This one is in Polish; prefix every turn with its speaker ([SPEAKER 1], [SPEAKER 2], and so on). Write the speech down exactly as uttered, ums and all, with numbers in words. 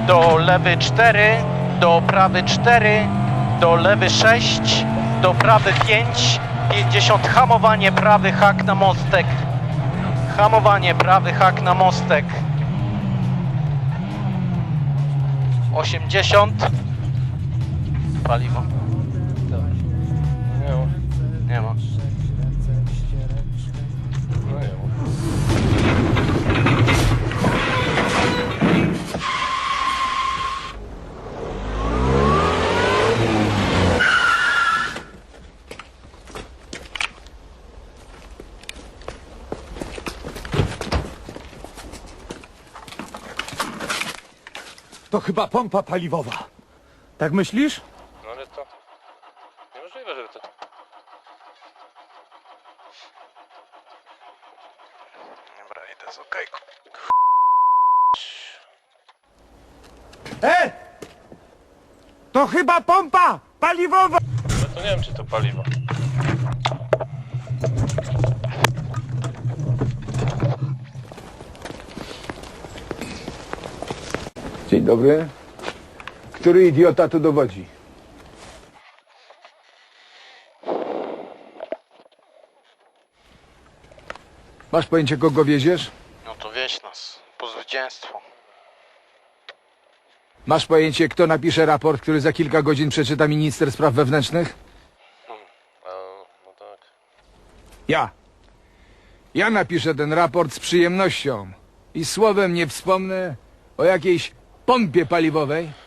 [SPEAKER 1] do lewy cztery, do prawy cztery, do lewy sześć, do prawy pięć, pięćdziesiąt, hamowanie, prawy hak na mostek, hamowanie, prawy hak na mostek, osiemdziesiąt, paliwo,
[SPEAKER 2] Nie ma.
[SPEAKER 1] nie ma.
[SPEAKER 2] No nie ma.
[SPEAKER 3] To chyba pompa paliwowa. Tak myślisz?
[SPEAKER 2] No ale to... Niemożliwe, żeby to...
[SPEAKER 1] Dobra, idę z okejku.
[SPEAKER 3] E! To chyba pompa paliwowa!
[SPEAKER 2] Ale to nie wiem, czy to paliwo.
[SPEAKER 4] Dzień dobry. Który idiota tu dowodzi? Masz pojęcie, kogo wieziesz?
[SPEAKER 1] No to wieź nas, po zwycięstwo.
[SPEAKER 4] Masz pojęcie, kto napisze raport, który za kilka godzin przeczyta minister spraw wewnętrznych?
[SPEAKER 2] A, no tak.
[SPEAKER 4] Ja. Ja napiszę ten raport z przyjemnością. I słowem nie wspomnę o jakiejś pompie paliwowej,